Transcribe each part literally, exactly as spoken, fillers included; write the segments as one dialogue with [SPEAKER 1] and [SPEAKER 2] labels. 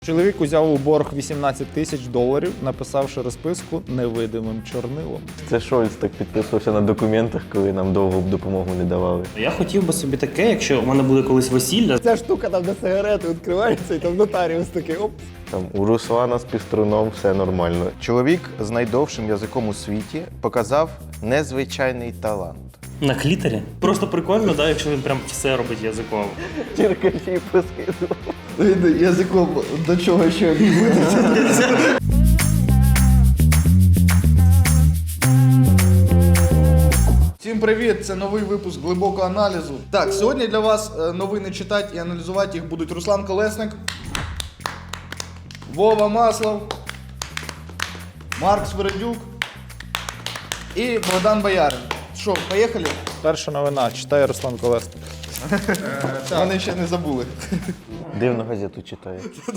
[SPEAKER 1] Чоловік узяв у борг вісімнадцять тисяч доларів, написавши розписку невидимим чорнилом.
[SPEAKER 2] Це Шольц так підписувався на документах, коли нам довго допомогу не давали.
[SPEAKER 3] Я хотів би собі таке, якщо у мене буде колись весілля.
[SPEAKER 1] Ця штука там, де сигарети відкриваються, і там нотаріус такий оп.
[SPEAKER 2] Там у Руслана з піструном все нормально.
[SPEAKER 4] Чоловік з найдовшим язиком у світі показав незвичайний талант.
[SPEAKER 3] На клітері. Просто прикольно, да, якщо він прям все робить язиком.
[SPEAKER 2] Черкачі поскидував.
[SPEAKER 4] Він язиком до чого ще відбудеться. Всім привіт! Це новий випуск глибокого аналізу. Так, сьогодні для вас новини читати і аналізувати їх будуть Руслан Колесник, Вова Маслов, Марк Свередюк і Богдан Боярин. Що, поїхали?
[SPEAKER 1] Перша новина. Читає Руслан Колесник.
[SPEAKER 4] Вони ще не забули.
[SPEAKER 2] Дивно газету читає.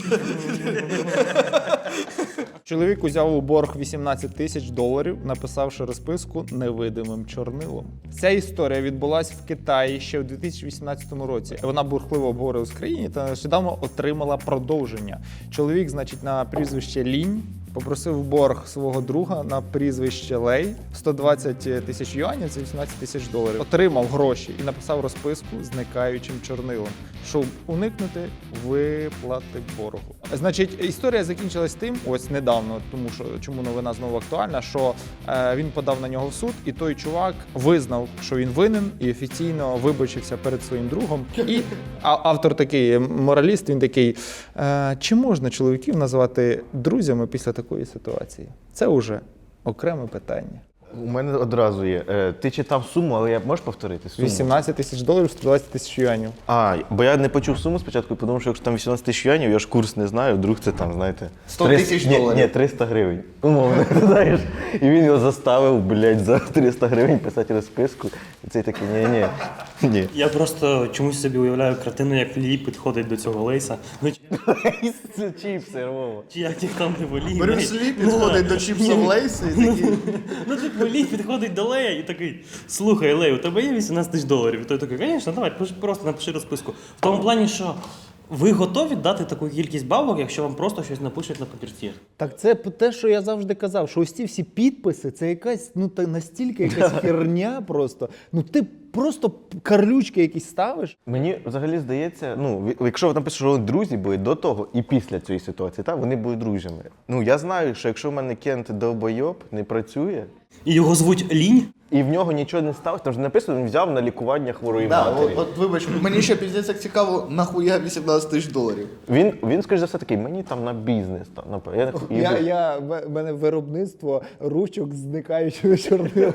[SPEAKER 1] Чоловік узяв у борг вісімнадцять тисяч доларів, написавши розписку невидимим чорнилом. Ця історія відбулась в Китаї ще у дві тисячі вісімнадцятому році. Вона бурхливо обговорилась в країні та нещодавно отримала продовження. Чоловік, значить, на прізвище Лінь попросив борг свого друга на прізвище Лей сто двадцять тисяч юанів, це вісімнадцять тисяч доларів. Отримав гроші і написав розписку зникаючим чорнилом, щоб уникнути виплати боргу. Значить, історія закінчилась тим, ось недавно, тому що чому новина знову актуальна, що е, він подав на нього в суд, і той чувак визнав, що він винен, і офіційно вибачився перед своїм другом. І а, автор такий мораліст, він такий: е, чи можна чоловіків називати друзями після такої ситуації? Це вже окреме питання.
[SPEAKER 2] У мене одразу є. Е, ти читав суму, але я можеш повторити суму?
[SPEAKER 1] вісімнадцять тисяч доларів, сто двадцять тисяч юанів.
[SPEAKER 2] А, бо я не почув суму спочатку і подумав, що якщо там вісімнадцять тисяч юанів, я ж курс не знаю, вдруг це там, знаєте...
[SPEAKER 4] сто тисяч доларів.
[SPEAKER 2] Ні, ні, триста гривень. Умовно, ти знаєш. І він його заставив, блядь, за триста гривень писати розписку. І цей такий, ні-ні, ні.
[SPEAKER 3] Я просто чомусь собі уявляю картину, як Лі підходить до цього Лейса. Ну,
[SPEAKER 2] Це чіпси, Вова.
[SPEAKER 3] чи як їх там не волі.
[SPEAKER 4] Брюс Лі підходить до чіпсів Лейса і такий...
[SPEAKER 3] Ну, типу, Лі підходить до Лея і такий: слухай, Лей, у тебе є вісімнадцять тисяч доларів? І той такий: звісно, давай, просто напиши розписку. В тому плані, що ви готові дати таку кількість бабок, якщо вам просто щось напишуть на папірці?
[SPEAKER 1] Так це те, що я завжди казав, що ось ці всі підписи, це якась, ну, та настільки якась херня просто. Ну, ти просто карлючки якісь ставиш.
[SPEAKER 2] Мені взагалі здається, ну, якщо ви напишете, що вони друзі були до того і після цієї ситуації, так, вони були друзями. Ну, я знаю, що якщо в мене Кент довбойоб не працює,
[SPEAKER 3] І його звуть Лінь?
[SPEAKER 2] і в нього нічого не сталося, там ж написано, він взяв на лікування хворої
[SPEAKER 4] Да,
[SPEAKER 2] матері.
[SPEAKER 4] от, от вибач, мені ще піздець як цікаво, нахуя вісімнадцять тисяч доларів?
[SPEAKER 2] Він, він, скоріш за все, такий, мені там на бізнес. Там, на... я,
[SPEAKER 1] Я, я, в мене виробництво ручок зникаючого чорнила.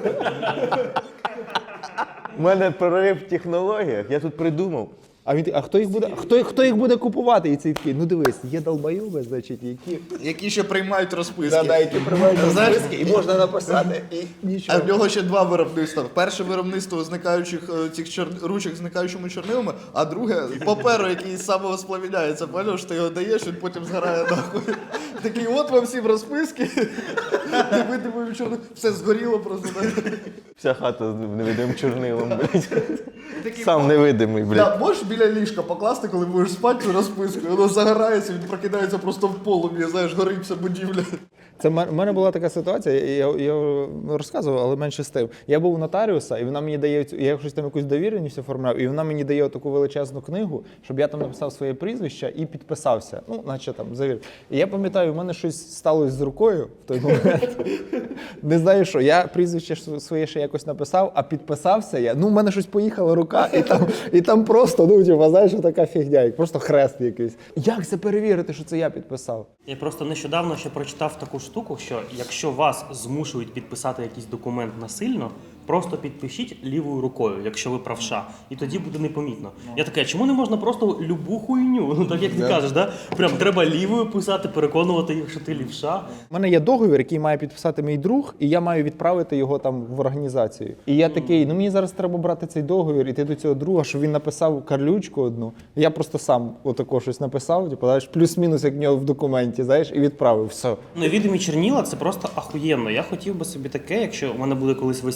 [SPEAKER 2] У мене прорив в технологіях, я тут придумав.
[SPEAKER 1] А він, а хто їх буде, хто, хто їх буде купувати? І цей такий: ну дивись, є долбойоби, значить, які...
[SPEAKER 4] Які ще приймають розписки.
[SPEAKER 1] Да, да, які приймають
[SPEAKER 4] Знаєш,
[SPEAKER 1] розписки, і можна написати, і нічого.
[SPEAKER 4] А в нього ще два виробництва. Перше виробництво зникаючих е, цих чор... ручок зникаючими чорнилами, а друге паперу, який самого сплавляється. Поняв, що ти його даєш, він потім згорає нахуй. Такий: от вам всім розписки. Невидимим чорнилом. Все згоріло просто.
[SPEAKER 2] Вся хата з невидимим чорнилом, блядь.
[SPEAKER 4] Такий:
[SPEAKER 2] Сам невидимий, блядь.
[SPEAKER 4] Да, можеш біля ліжка покласти, коли будеш спати, цю розписку, і воно загорається, він прокидається просто в полум'ї, знаєш, горить вся будівля.
[SPEAKER 1] Це в мене була така ситуація, я, я розказував, але менше з тим. Я був у нотаріуса, і вона мені дає, я щось там якусь довіреність оформляв, і вона мені дає таку величезну книгу, щоб я там написав своє прізвище і підписався. Ну, наче там завір. І я пам'ятаю, у мене щось сталося з рукою в той момент. Не знаю що. Я прізвище своє ще якось написав, а підписався я. Ну, у мене щось поїхала рука, і там, і там просто, ну, типу, знаєш, така фігня, як просто хрест якийсь. Як це перевірити, що це я підписав?
[SPEAKER 3] Я просто нещодавно ще прочитав таку штуку, що якщо вас змушують підписати якийсь документ насильно, просто підпишіть лівою рукою, якщо ви правша, і тоді буде непомітно. Я така: чому не можна просто любу хуйню? Ну, так як ти кажеш, да? Прям треба лівою писати, переконувати їх, що ти лівша.
[SPEAKER 1] У мене є договір, який має підписати мій друг, і я маю відправити його там в організацію. І я такий: ну мені зараз треба брати цей договір, іти до цього друга, щоб він написав карлючку одну. Я просто сам отако щось написав, типу, знаєш, плюс-мінус, як в нього в документі, знаєш, і відправив. Все.
[SPEAKER 3] Невідомі чорніла — це просто ахуєнно. Я хотів би собі таке, якщо у мене буде колись весілля,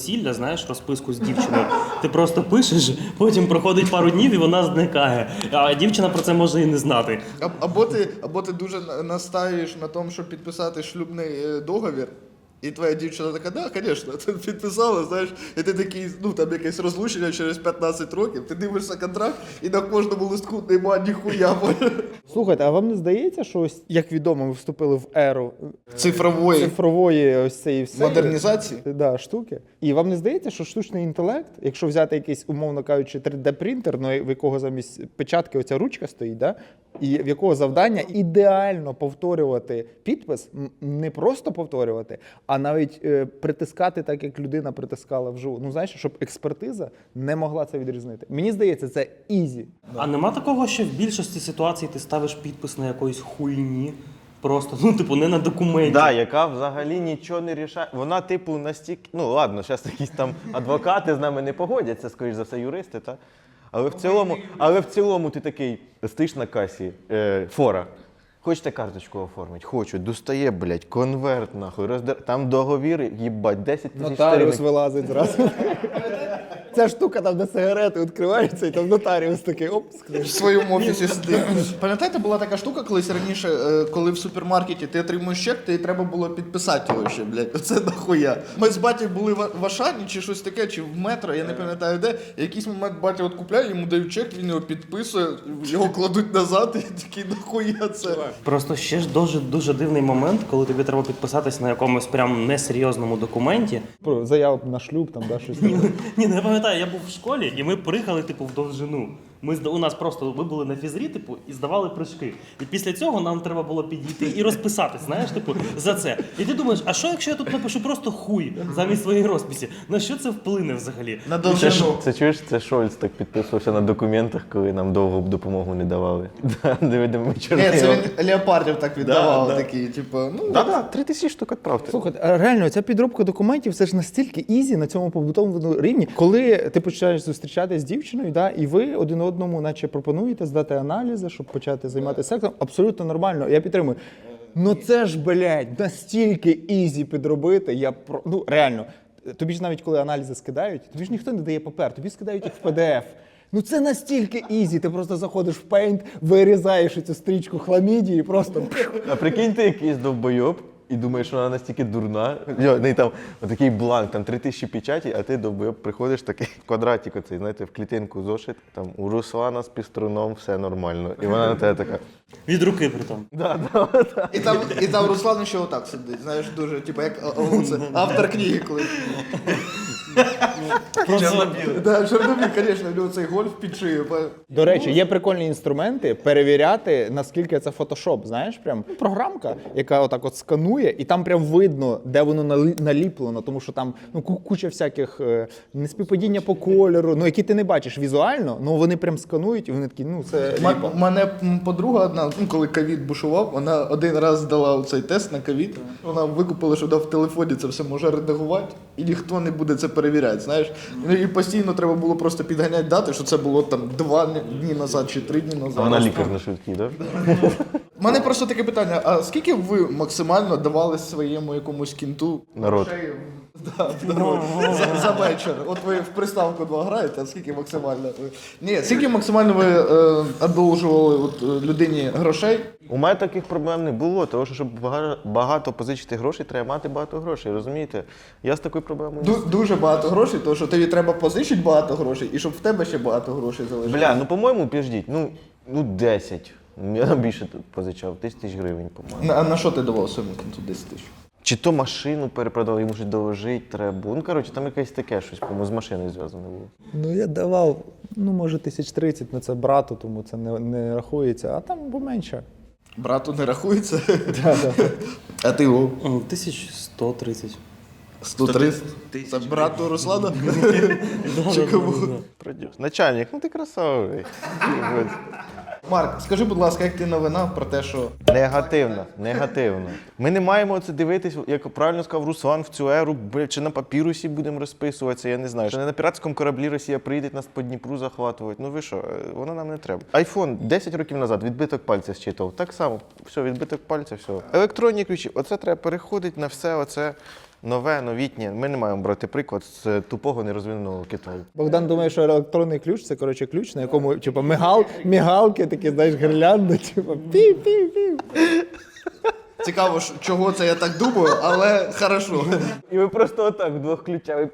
[SPEAKER 3] знаєш, розписку з дівчиною. Ти просто пишеш, потім проходить пару днів і вона зникає. А дівчина про це може і не знати.
[SPEAKER 4] А- Або ти, або ти дуже на- настаєш на тому, щоб підписати шлюбний е, договір, і твоя дівчина така, да, звісно, ти підписала, знаєш, і ти такий, ну там якесь розлучення через п'ятнадцять років, ти дивишся контракт, і на кожному листку нема ніхуя.
[SPEAKER 1] Слухайте, а вам не здається, що ось, як відомо, ми вступили в еру
[SPEAKER 4] Цифрової
[SPEAKER 1] цифрової ось цієї всієї
[SPEAKER 4] модернізації.
[SPEAKER 1] да, штуки? І вам не здається, що штучний інтелект, якщо взяти якийсь, умовно кажучи, три де-принтер, ну, в якого замість печатки оця ручка стоїть, да? І в якого завдання ідеально повторювати підпис, м, не просто повторювати, а навіть е, притискати так, як людина притискала вживу. Ну, знаєш, щоб експертиза не могла це відрізнити. Мені здається, це ізі.
[SPEAKER 3] А нема такого, що в більшості ситуацій ти ставиш підпис на якоїсь хуйні? Просто, ну, типу, не на документі.
[SPEAKER 2] Да, яка взагалі нічого не рішає. Вона, типу, настільки. Ну ладно, зараз якісь там адвокати з нами не погодяться, скоріш за все, юристи, та? Але в цілому, але в цілому ти такий стоїш на касі, е, фора. Хочете карточку оформити? Хочу. Достає, блядь, конверт, нахуй. Роздер... Там договір, їбать, десять тисяч
[SPEAKER 1] Нотаріус
[SPEAKER 2] сторінок.
[SPEAKER 1] вилазить зразу. Ця штука там, де сигарети відкриваються, і там нотаріус такий оп,
[SPEAKER 4] В своєму офісі сидить. Пам'ятаєте, була така штука колись раніше, е, коли в супермаркеті ти отримуєш чек, тобі треба було підписати його ще, блядь. Оце нахуя. Ми з батьком були в в Ашані чи щось таке, чи в метро, я не пам'ятаю де. І якийсь момент батя от купляє, йому дають чек, він його підписує, його кладуть назад і такий нахуя це.
[SPEAKER 3] Просто ще ж дуже, дуже дивний момент, коли тобі треба підписатись на якомусь прям несерйозному документі.
[SPEAKER 1] Про заяву на шлюб, там, да, щось таке.
[SPEAKER 3] Ні, ну я пам'ятаю, я був в школі, і ми приїхали, типу, в довжину. Ми зда- у нас просто ми були на фізрі, типу, і здавали прыжки. І після цього нам треба було підійти і розписатись, знаєш, типу, за це. І ти думаєш, а що якщо я тут напишу просто хуй замість своєї розписі? На що це вплине взагалі?
[SPEAKER 4] На
[SPEAKER 2] Це, ж-
[SPEAKER 4] довжину.
[SPEAKER 2] це чуєш, це Шольц так підписувався на документах, коли нам довго б допомогу не давали. Да, невидимими
[SPEAKER 4] Ні,
[SPEAKER 2] чорнилами.
[SPEAKER 4] це він леопардів так віддавав,
[SPEAKER 2] Да, да.
[SPEAKER 4] такий, типу, ну.
[SPEAKER 2] Да-да, три тисячі штук відправте.
[SPEAKER 1] Слухайте, а реально, ця підробка документів це ж настільки ізі на цьому побутовому рівні, коли ти починаєш зустрічатися з дівчиною, да, і ви один одному, наче пропонуєте здати аналізи, щоб почати займатися сексом, абсолютно нормально. Я підтримую. Ну це ж, блядь, настільки ізі підробити. Я про ну реально. Тобі ж навіть коли аналізи скидають, тобі ж ніхто не дає папер, тобі скидають їх в пі ді еф. Ну це настільки ізі. Ти просто заходиш в Paint, вирізаєш цю стрічку хламідії і просто.
[SPEAKER 2] А прикинь, ти якийсь довбойоб і думаєш, що вона настільки дурна. Йо, не, там такий бланк, там три тисячі печаті, а ти довбойоб приходиш такий квадратик оцей, знаєте, в клітинку зошит, там у Руслана з піструном все нормально. І вона на тебе така.
[SPEAKER 3] Від руки притом.
[SPEAKER 2] Да, да, да.
[SPEAKER 4] І там, і там Руслан ще отак сидить, знаєш, дуже, типу, як а, а, це, автор книги колись.
[SPEAKER 3] Чорно-білий.
[SPEAKER 4] Да, Чорнобіль, звісно, в нього цей гольф під шию. па-
[SPEAKER 1] До речі, є прикольні інструменти перевіряти, наскільки це фотошоп. Знаєш, прям програмка, яка отак от сканує, і там прям видно, де воно налі- наліплено, тому що там ну ку- куча всяких е, неспівпадіння по кольору, ну які ти не бачиш візуально, ну вони прям сканують, і вони такі, ну це
[SPEAKER 4] Ма-
[SPEAKER 1] ліпо.
[SPEAKER 4] Мене м, подруга одна, ну, коли ковід бушував, вона один раз здала цей тест на ковід. Вона викупила, що вона в телефоні це все може редагувати, і ніхто не буде це перевіряти. Знаєш, Ну, і постійно треба було просто підганяти дати, що це було там два дні назад чи три дні назад.
[SPEAKER 2] А вона лікар на швидкій, так?
[SPEAKER 4] У мене просто таке питання: а скільки ви максимально давали своєму якомусь кінту
[SPEAKER 2] Народ.
[SPEAKER 4] грошей? Да, да, за, за вечір. От ви в приставку два граєте, а скільки максимально ви. Ні, скільки максимально ви е, одолжували от, е, людині грошей?
[SPEAKER 2] У мене таких проблем не було, тому що щоб бага- багато позичити грошей, треба мати багато грошей, розумієте? Я з такою проблемою. не
[SPEAKER 4] Ду- дуже багато грошей, тому що тобі треба позичити багато грошей, і щоб в тебе ще багато грошей залишилося.
[SPEAKER 2] Бля, ну по-моєму, підождіть, ну, ну десять. Я там більше тут позичав, тисяч тисяч гривень, по-моєму.
[SPEAKER 4] На, а на що ти давав своєму кінту десять тисяч?
[SPEAKER 2] Чи то машину перепродав, йому щось доложити треба. Ну, коротше, там якесь таке щось, по-моєму, з машиною зв'язане було.
[SPEAKER 1] Ну я давав, ну може тисяч тридцять, ну це брату, тому це не, не рахується, а там поменше.
[SPEAKER 4] Брату не рахується,
[SPEAKER 1] Да, да.
[SPEAKER 4] а ти його
[SPEAKER 3] М, тисяч сто тридцять.
[SPEAKER 4] сто тридцять. Це брату Руслана? Чи кому?
[SPEAKER 2] Продюс. Начальник, ну ти красавий.
[SPEAKER 4] Марк, скажи, будь ласка, як ти новина про те, що
[SPEAKER 2] Негативно, негативно. Ми не маємо це дивитись, як правильно сказав Руслан, в цю еру, бля, чи на папірусі будемо розписуватися, я не знаю. Чи не на піратському кораблі Росія прийде нас по Дніпру захватувати. Ну ви що, е, воно нам не треба. Айфон десять років назад відбиток пальця зчитував. Так само, все, відбиток пальця, все. Електронні ключі, оце треба переходити на все оце. нове, новітнє. Ми не маємо брати приклад з тупого нерозвиненого Китаю.
[SPEAKER 1] Богдан думає, що електронний ключ це, коротше, ключ, на якому, типу, мигал, мігалки такі, знаєш, гірлянди, типу, пів-пів-пів.
[SPEAKER 4] Цікаво, що- чого це я так думаю, але хорошо.
[SPEAKER 2] І ви просто отак вдвох ключами.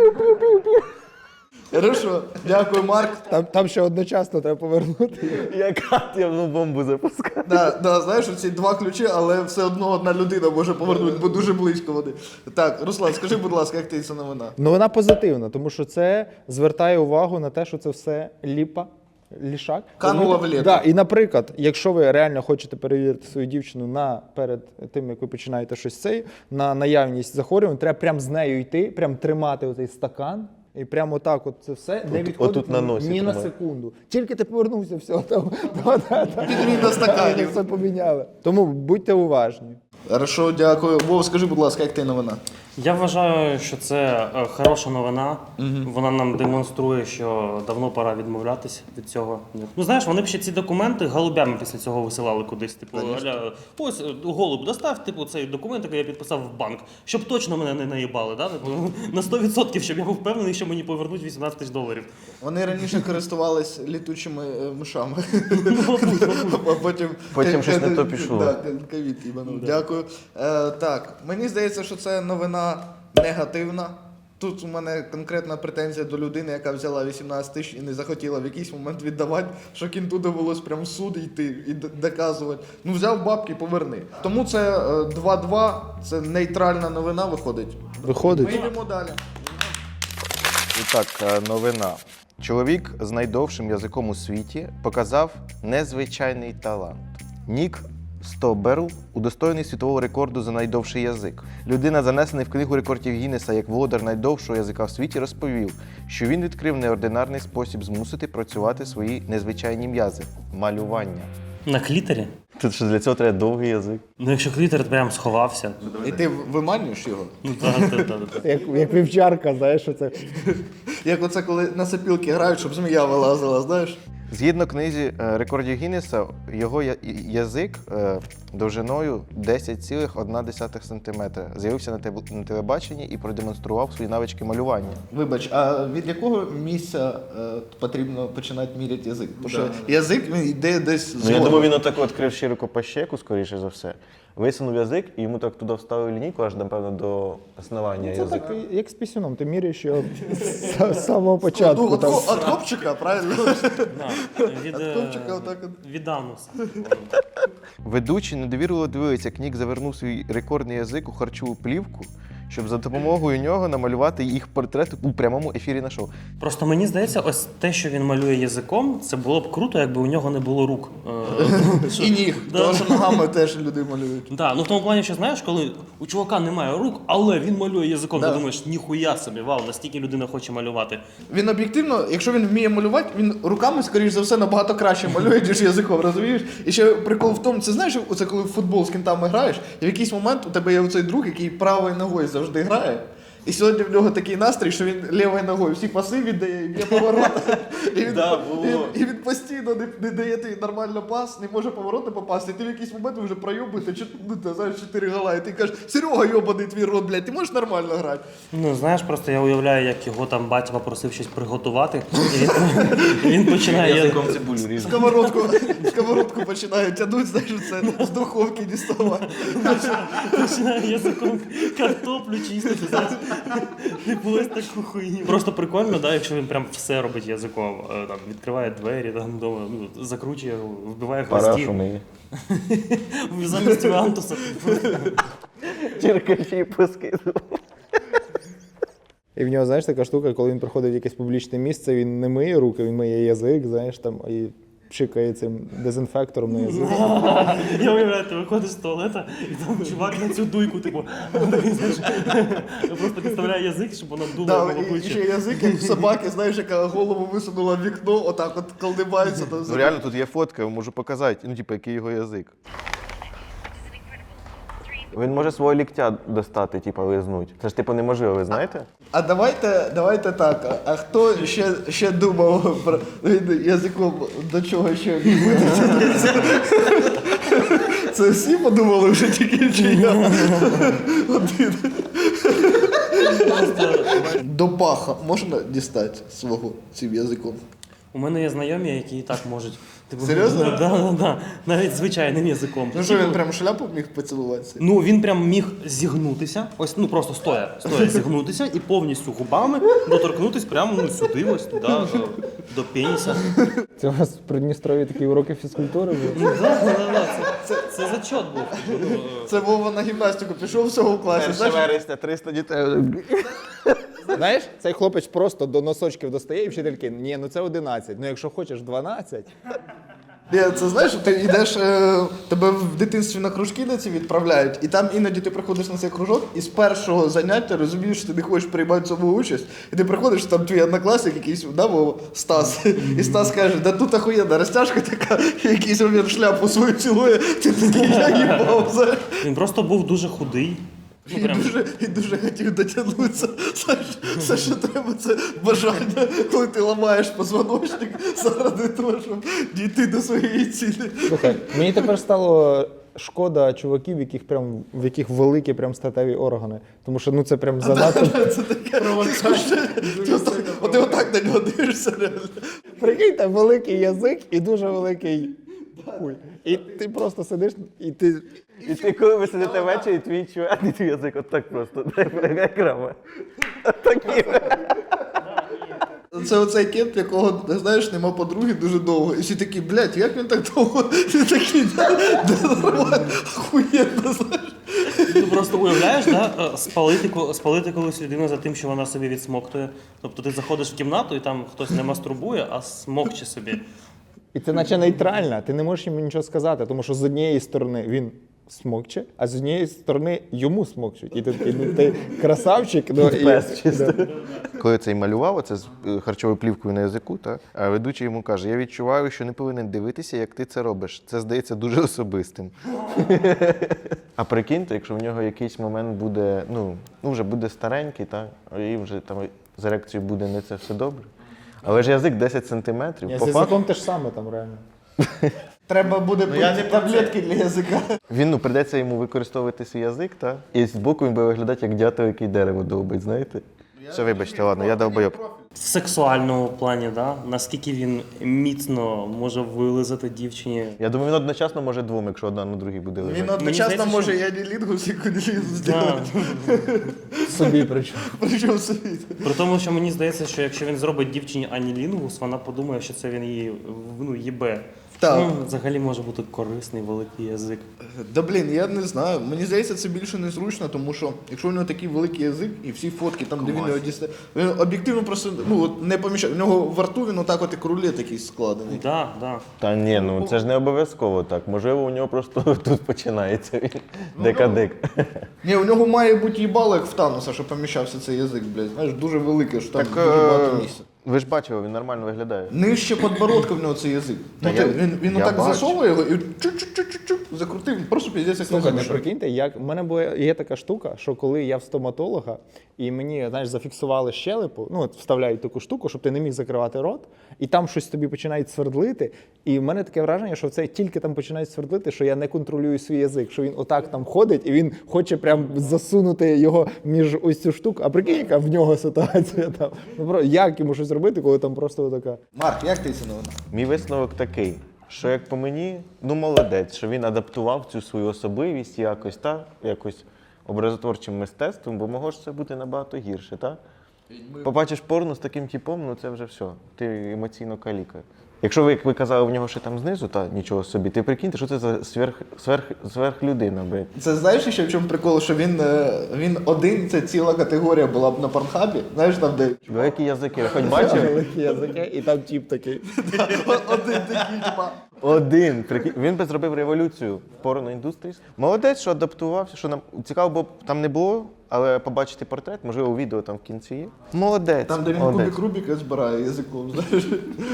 [SPEAKER 4] Хорошо, дякую, Марк.
[SPEAKER 1] Там, там ще одночасно треба повернути.
[SPEAKER 2] Як атомну бомбу запускати.
[SPEAKER 4] Да, да, знаєш, ці два ключі, але все одно одна людина може повернути, бо дуже близько вони. Так, Руслан, скажи, будь ласка, як ти ця новина?
[SPEAKER 1] Ну вона позитивна, тому що це звертає увагу на те, що це все ліпа. Лішак.
[SPEAKER 4] Канула в літо.
[SPEAKER 1] Да, і, наприклад, якщо ви реально хочете перевірити свою дівчину на, перед тим, як ви починаєте щось цей, на наявність захворювань, треба прямо з нею йти, прямо тримати оцей стакан. І прямо так, от це все не
[SPEAKER 2] От-
[SPEAKER 1] відходить
[SPEAKER 2] отут на носі
[SPEAKER 1] ні на
[SPEAKER 2] тримай.
[SPEAKER 1] секунду. Тільки ти повернувся, все, там, да, да, да.
[SPEAKER 4] Підміна стаканів.
[SPEAKER 1] Все поміняли. Тому будьте уважні.
[SPEAKER 4] Хорошо, дякую. Вов, скажи, будь ласка, як ти новина?
[SPEAKER 3] Я вважаю, що це е, хороша новина. Вона нам демонструє, що давно пора відмовлятися від цього. Ну знаєш, вони б ще ці документи голубями після цього висилали кудись. Типу, аля, ось е, голуб достав, типу, цей документ, який я підписав в банк, щоб точно мене не наїбали. Да? Типу, на сто відсотків, щоб я був впевнений, що мені повернуть вісімнадцять тисяч доларів.
[SPEAKER 4] Вони раніше користувались літучими е, мишами. А потім
[SPEAKER 2] Потім щось не то пішло.
[SPEAKER 4] Да, ковід їбанув. Дякую. Е, так, мені здається, що це новина негативна. Тут у мене конкретна претензія до людини, яка взяла вісімнадцять тисяч і не захотіла в якийсь момент віддавати, що кінту довелось прям в суд йти і д- доказувати. Ну взяв бабки, поверни. Тому це е, два-два, це нейтральна новина виходить.
[SPEAKER 1] Виходить.
[SPEAKER 4] Ми йдемо далі.
[SPEAKER 2] І так, е, новина. Чоловік з найдовшим язиком у світі показав незвичайний талант. Нік Стоберл удостоєний світового рекорду за найдовший язик. Людина, занесений в книгу рекордів Гіннеса як володар найдовшого язика в світі, розповів, що він відкрив неординарний спосіб змусити працювати свої незвичайні м'язи – малювання.
[SPEAKER 3] На клітері?
[SPEAKER 2] Тут що для цього треба довгий язик.
[SPEAKER 3] Ну якщо клітер прям сховався.
[SPEAKER 4] І ти виманюєш його?
[SPEAKER 3] Ну так, так, так, так.
[SPEAKER 1] Як, як вівчарка, знаєш, що це.
[SPEAKER 4] Як оце, коли на сопілки грають, щоб змія вилазила, знаєш?
[SPEAKER 2] Згідно книзі е, рекордів Гіннеса, його я- язик е, довжиною десять цілих одна десята сантиметра з'явився на, теб- на телебаченні і продемонстрував свої навички малювання.
[SPEAKER 4] Вибач, а від якого місця е, потрібно починати міряти язик? Тому що язик він йде десь
[SPEAKER 2] Ну, я
[SPEAKER 4] згодом.
[SPEAKER 2] думаю, він отак відкрив широко по щеку, скоріше за все. Висунув язик і йому так туди вставив лінійку, аж, напевно, до основання
[SPEAKER 1] Це
[SPEAKER 2] язика.
[SPEAKER 1] так, як з пісюном, ти міряєш його з з самого
[SPEAKER 4] Ну,
[SPEAKER 1] початку.
[SPEAKER 4] от,
[SPEAKER 1] Там.
[SPEAKER 4] ко- от копчика, правильно?
[SPEAKER 3] Да, від, е,
[SPEAKER 4] Копчика отак от.
[SPEAKER 3] від ануса.
[SPEAKER 2] Ведучі недовірливо дивилися, як Нік завернув свій рекордний язик у харчову плівку, щоб за допомогою нього намалювати їх портрет у прямому ефірі на шоу.
[SPEAKER 3] Просто мені здається, ось те, що він малює язиком, це було б круто, якби у нього не було рук. Е, що-
[SPEAKER 4] І ніг,
[SPEAKER 3] Да.
[SPEAKER 4] тому що ногами теж люди малюють.
[SPEAKER 3] Да, ну в тому плані, що знаєш, коли у чувака немає рук, але він малює язиком,
[SPEAKER 4] Да.
[SPEAKER 3] ти думаєш, ніхуя собі, вау, настільки людина хоче малювати.
[SPEAKER 4] Він об'єктивно, якщо він вміє малювати, він руками, скоріш за все, набагато краще малює, ніж язиком, розумієш? І ще прикол в тому, це знаєш, оце коли в футбол з кінтами граєш, і в якийсь момент у тебе є оцей друг, який правою ногою завжди грає. І сьогодні в нього такий настрій, що він лівою ногою всі паси віддає, і б'є повороти. І він,
[SPEAKER 2] Да, було.
[SPEAKER 4] і, і він постійно не, не дає тобі нормально пас, не може повороти попасти. І ти в якийсь момент вже пройобуєте, ну, ти знаєш, чотири гола, і ти кажеш, Серега, йобаний твій рот, блядь, ти можеш нормально грати?
[SPEAKER 3] Ну, знаєш, просто я уявляю, як його там батя попросив щось приготувати, і він, і він починає...
[SPEAKER 2] цибулю різати.
[SPEAKER 4] Сковородку, сковородку починає тягнути, знаєш, це з духовки діставати.
[SPEAKER 3] Починає язиком картоплю чистити, знаєш. Типу ось таку хуйню. Просто прикольно, да, якщо він прям все робить язиком. Е, Там, відкриває двері, там, вдома, ну, закручує, вбиває
[SPEAKER 2] Парашу
[SPEAKER 3] хвостів.
[SPEAKER 2] миє.
[SPEAKER 3] Замість Вантуса.
[SPEAKER 2] Черкачі поскидував.
[SPEAKER 1] І в нього, знаєш, така штука, коли він приходить в якесь публічне місце, він не миє руки, він миє язик, знаєш, там, і пшикає цим дезінфектором на язик.
[SPEAKER 3] Я уявляю, ти виходиш з туалета, і там чувак на цю дуйку, типу, такий, знаєш, просто підставляє язик, щоб вона дула
[SPEAKER 4] Да,
[SPEAKER 3] в
[SPEAKER 4] і, і
[SPEAKER 3] обличчя.
[SPEAKER 4] ще язик, як в собаки, знаєш, яка голову висунула в вікно, отак от колдибається. Там,
[SPEAKER 2] Ну реально тут є фотка, можу показати, ну типу, який його язик. Він може свого ліктя достати, типу, лизнуть. Це ж типу неможливо, ви знаєте?
[SPEAKER 4] А давайте, давайте так. А, а хто ще, ще думав про він язиком до чого ще витягнеться? Це всі подумали вже тільки чи я один. До паха можна дістати свого цим язиком?
[SPEAKER 3] У мене є знайомі, які і так можуть. Типу,
[SPEAKER 4] Серйозно?
[SPEAKER 3] Да, да, да. Навіть звичайним язиком.
[SPEAKER 4] Ну що, він прям шляпу міг поцілуватися?
[SPEAKER 3] Ну, він прям міг зігнутися, ось, ну просто стоя, стоя зігнутися і повністю губами доторкнутись прямо ну, сюди, ось туди, до, до пеніса.
[SPEAKER 1] Це у вас в Придністрові такі уроки фізкультури були?
[SPEAKER 3] Ну, да, да, да, це, це, це зачет був. Ну, е,
[SPEAKER 4] Це Вова на гімнастику пішов всього в класі.
[SPEAKER 2] перше
[SPEAKER 4] Знаєш,
[SPEAKER 2] вересня, триста дітей.
[SPEAKER 1] Знаєш, цей хлопець просто до носочків достає і вчительки, ні, ну це одинадцять, ну якщо хочеш дванадцять.
[SPEAKER 4] Ні, це знаєш, ти йдеш, е, тебе в дитинстві на кружки на ці відправляють, і там іноді ти приходиш на цей кружок, і з першого заняття розумієш, що ти не хочеш приймати в цьому участь, і ти приходиш, там твій однокласник якийсь, да, Вова, Стас, і Стас каже, да тут охуєнна розтяжка така, і якийсь момент шляпу свою цілує, ти такий, я їбав, знаєш.
[SPEAKER 3] Він просто був дуже худий. Ну,
[SPEAKER 4] І
[SPEAKER 3] прям.
[SPEAKER 4] дуже, і дуже хотів дотягнутися. Знаєш, все, що треба, це бажання, коли ти ламаєш позвоночник заради того, щоб дійти до своєї цілі.
[SPEAKER 1] Слухай, мені тепер стало шкода чуваків, в яких прям в яких великі прям статеві органи. Тому що ну це прям занадто.
[SPEAKER 4] Це таке провокація. От ти отак на нього дивишся реально.
[SPEAKER 1] Прикинь, там великий язик і дуже великий хуй. І ти просто сидиш і ти.
[SPEAKER 2] І ти коли ви сидите ввечері, твій чувак, і твій язик отак просто, дай крама. Отакий.
[SPEAKER 4] Це оцей кент, якого, знаєш, нема подруги дуже довго. І всі такі, блядь, як він так довго? Ти такий, да, да, нормально, охуєнно, знаєш.
[SPEAKER 3] Ти просто уявляєш, да, е, спалити, ко- спалити колись людину за тим, що вона собі відсмоктує. Тобто ти заходиш в кімнату і там хтось не мастурбує, а смокче собі.
[SPEAKER 1] І це наче нейтрально, ти не можеш йому нічого сказати, тому що з однієї сторони він смокче, а з однієї сторони йому смокчуть. І ти такий, ну ти красавчик. Ну, і,
[SPEAKER 2] Пес чисто.
[SPEAKER 1] да.
[SPEAKER 2] Коли цей малював, оце з е, харчовою плівкою на язику, та, а ведучий йому каже, я відчуваю, що не повинен дивитися, як ти це робиш. Це здається дуже особистим. А прикиньте, якщо в нього якийсь момент буде, ну, ну вже буде старенький, та, і вже там з ерекцією буде не це все добре. Але ж язик десять сантиметрів.
[SPEAKER 1] Ні, з
[SPEAKER 2] По факту,
[SPEAKER 1] язиком те ж саме там реально.
[SPEAKER 4] Треба буде пити таблетки для язика.
[SPEAKER 2] він, ну, прийдеться йому використовувати свій язик, та, і з боку він буде виглядати як дятел, який дерево довбить, знаєте? Все, вибачте, ладно, я довбойоб.
[SPEAKER 3] В сексуальному плані, да? Наскільки він міцно може вилизати дівчині.
[SPEAKER 2] Я думаю, він одночасно може двом, якщо одна на другій буде лежати.
[SPEAKER 4] Він одночасно
[SPEAKER 3] здається,
[SPEAKER 4] може
[SPEAKER 3] що-
[SPEAKER 4] і анілінгус, і кунілінгус
[SPEAKER 3] Да.
[SPEAKER 4] зробити.
[SPEAKER 1] Собі причому.
[SPEAKER 4] Причому собі.
[SPEAKER 3] При тому, що мені здається, що якщо він зробить дівчині анілінгус, вона подумає, що це він її ну, їбе.
[SPEAKER 4] Так.
[SPEAKER 3] Ну, взагалі може бути корисний великий язик.
[SPEAKER 4] Да блін, я не знаю. Мені здається, це більше незручно, тому що якщо у нього такий великий язик і всі фотки там, де він його дістає, він об'єктивно просто ну, от не поміщає. У нього в рту він отак от як рулет такий складений.
[SPEAKER 3] Да, да.
[SPEAKER 2] Та ні, ну це ж не обов'язково так. Можливо, у нього просто тут починається він. Дека-дек.
[SPEAKER 4] Ні, у нього має бути їбало, як в Тануса, що поміщався цей язик, блядь. Знаєш, дуже великий, що там
[SPEAKER 2] Так,
[SPEAKER 4] дуже багато
[SPEAKER 2] е,
[SPEAKER 4] місця.
[SPEAKER 2] ви ж бачили, він нормально виглядає.
[SPEAKER 4] Нижче подбородка в нього цей язик.
[SPEAKER 2] Та
[SPEAKER 4] Ну,
[SPEAKER 2] я-
[SPEAKER 4] ти, він він
[SPEAKER 2] я
[SPEAKER 4] отак
[SPEAKER 2] бачу.
[SPEAKER 4] засовує його і чук-чук-чук-чук закрутив, просто піздець як
[SPEAKER 1] Слухай,
[SPEAKER 4] на
[SPEAKER 1] не
[SPEAKER 4] зубі.
[SPEAKER 1] прикиньте, як в мене була є така штука, що коли я в стоматолога, і мені, знаєш, зафіксували щелепу, ну от вставляють таку штуку, щоб ти не міг закривати рот, і там щось тобі починають свердлити. І в мене таке враження, що це тільки там починають свердлити, що я не контролюю свій язик, що він отак там ходить, і він хоче прям засунути його між ось цю штуку. А прикинь, яка в нього ситуація там. Ну про як йому щось робити, коли там просто така.
[SPEAKER 4] Марк, як ти це новина?
[SPEAKER 2] Мій висновок такий, що як по мені, ну молодець, що він адаптував цю свою особливість якось, та, якось образотворчим мистецтвом, бо могло ж це бути набагато гірше, та? Побачиш порно з таким типом, ну це вже все, ти емоційно каліка. Якщо ви, як ви казали, в нього ще там знизу, та нічого собі, ти прикиньте, що це за сверх, сверх, сверхлюдина, блядь.
[SPEAKER 4] Це знаєш ще в чому прикол, що він, е, він один, це ціла категорія була б на Порнхабі, знаєш там де
[SPEAKER 2] Великі язики, ви хоч бачили?
[SPEAKER 1] Великі язики, і там тіп такий.
[SPEAKER 4] один такий, типа.
[SPEAKER 2] Один. Прикинь, він би зробив революцію в порноіндустрії. Молодець, що адаптувався, що нам цікаво, бо там не було, але побачити портрет, можливо, у відео там в кінці є. Молодець.
[SPEAKER 4] Там, де він
[SPEAKER 2] молодець.
[SPEAKER 4] кубик Рубіка збирає язиком, знаєш.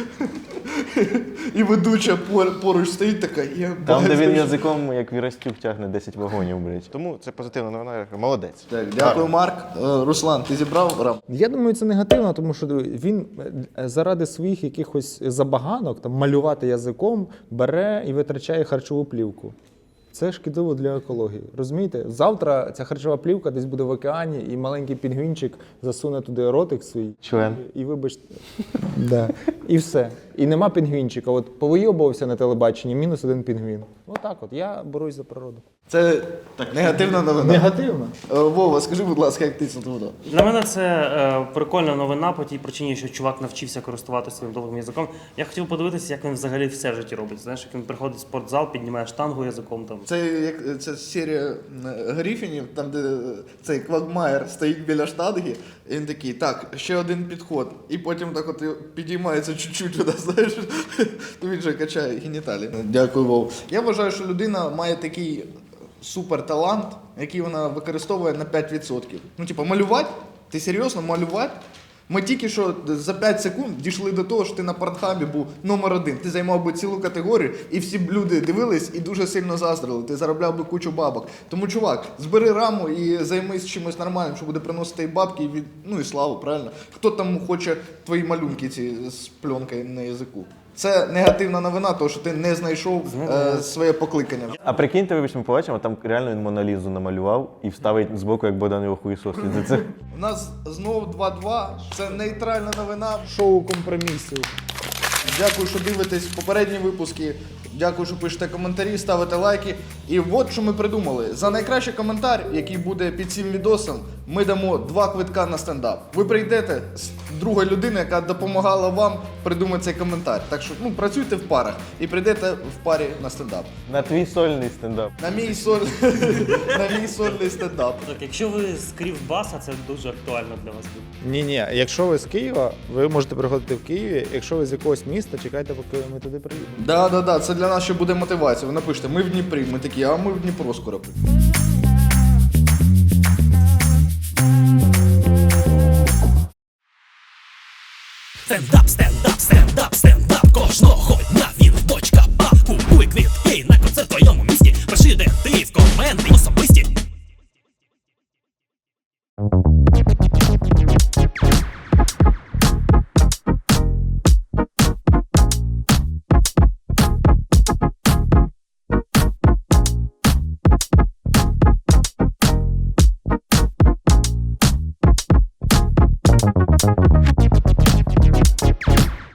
[SPEAKER 4] І ведуча пор- поруч стоїть така, є.
[SPEAKER 2] Там, де він язиком, як Вірастюк, тягне десять вагонів, блядь. Тому це позитивна новина, я кажу, молодець.
[SPEAKER 4] Так, дякую, Марк. Е, Руслан, ти зібрав рам?
[SPEAKER 1] Я думаю, це негативно, тому що він е, заради своїх якихось забаганок там малювати язиком бере і витрачає харчову плівку. Це шкідливо для екології. Розумієте? Завтра ця харчова плівка десь буде в океані, і маленький пінгвінчик засуне туди ротик свій.
[SPEAKER 2] Член.
[SPEAKER 1] І вибачте. Да. І все. І нема пінгвінчика. От повийобувався на телебаченні, мінус один пінгвін. Отак от. Я борюсь за природу.
[SPEAKER 4] Це негативна новина.
[SPEAKER 1] Негативно.
[SPEAKER 4] Е, Вова, скажи, будь ласка, як ти це думав?
[SPEAKER 3] Для мене це е, прикольна новина по тій причині, що чувак навчився користуватися своїм довгим язиком. Я хотів подивитися, як він взагалі все в житті робить. Знаєш, як він приходить в спортзал, піднімає штангу язиком там.
[SPEAKER 4] Це як це серія е, Гріфінів, там де е, цей Квагмаєр стоїть біля штанги, і він такий, так, ще один підход. І потім так от підіймається чуть-чуть туди, знаєш, то він же качає геніталії. Дякую, Вов. Я вважаю, що людина має такий суперталант, який вона використовує на п'ять відсотків. Ну, типу, малювати? Ти серйозно малювати? Ми тільки що за п'ять секунд дійшли до того, що ти на Портнхабі був номер один. Ти займав би цілу категорію, і всі б люди дивились і дуже сильно заздрили. Ти заробляв би кучу бабок. Тому, чувак, збери раму і займись чимось нормальним, що буде приносити і бабки, і від... ну і славу, правильно? Хто там хоче твої малюнки ці з пленкою на язику? Це негативна новина, тому що ти не знайшов е, своє покликання.
[SPEAKER 2] А прикиньте, вибачте, ми побачимо, там реально він Монолізу намалював і вставить збоку, як Богдан його хуїсосить. Це
[SPEAKER 4] У нас знову два-два. Це нейтральна новина.
[SPEAKER 1] Шоу компромісів.
[SPEAKER 4] Дякую, що дивитесь попередні випуски. Дякую, що пишете коментарі, ставите лайки. І от що ми придумали. За найкращий коментар, який буде під цим відосом, ми дамо два квитка на стендап. Ви прийдете з другої людини, яка допомагала вам придумати цей коментар. Так що ну, працюйте в парах і прийдете в парі на стендап.
[SPEAKER 2] на твій сольний стендап.
[SPEAKER 4] На мій, соль... на мій сольний стендап.
[SPEAKER 3] Так, якщо ви з Кривбаса, це дуже актуально для вас буде.
[SPEAKER 1] Ні-ні, якщо ви з Києва, ви можете приходити в Києві. Якщо ви з якогось міста, чекайте, поки ми туди приїдемо.
[SPEAKER 4] Да, да, да, це для нас ще буде мотивація. Ви напишете, ми в Дніпрі, ми такі, а ми в Дніпро скоро.
[SPEAKER 5] Стендап, стендап, стендап, стендап кожного дня він бочка баб. Купуй квітки на концерт в твоєму місті. Пиши, де ти в коменти особисті.
[SPEAKER 6] Thank you.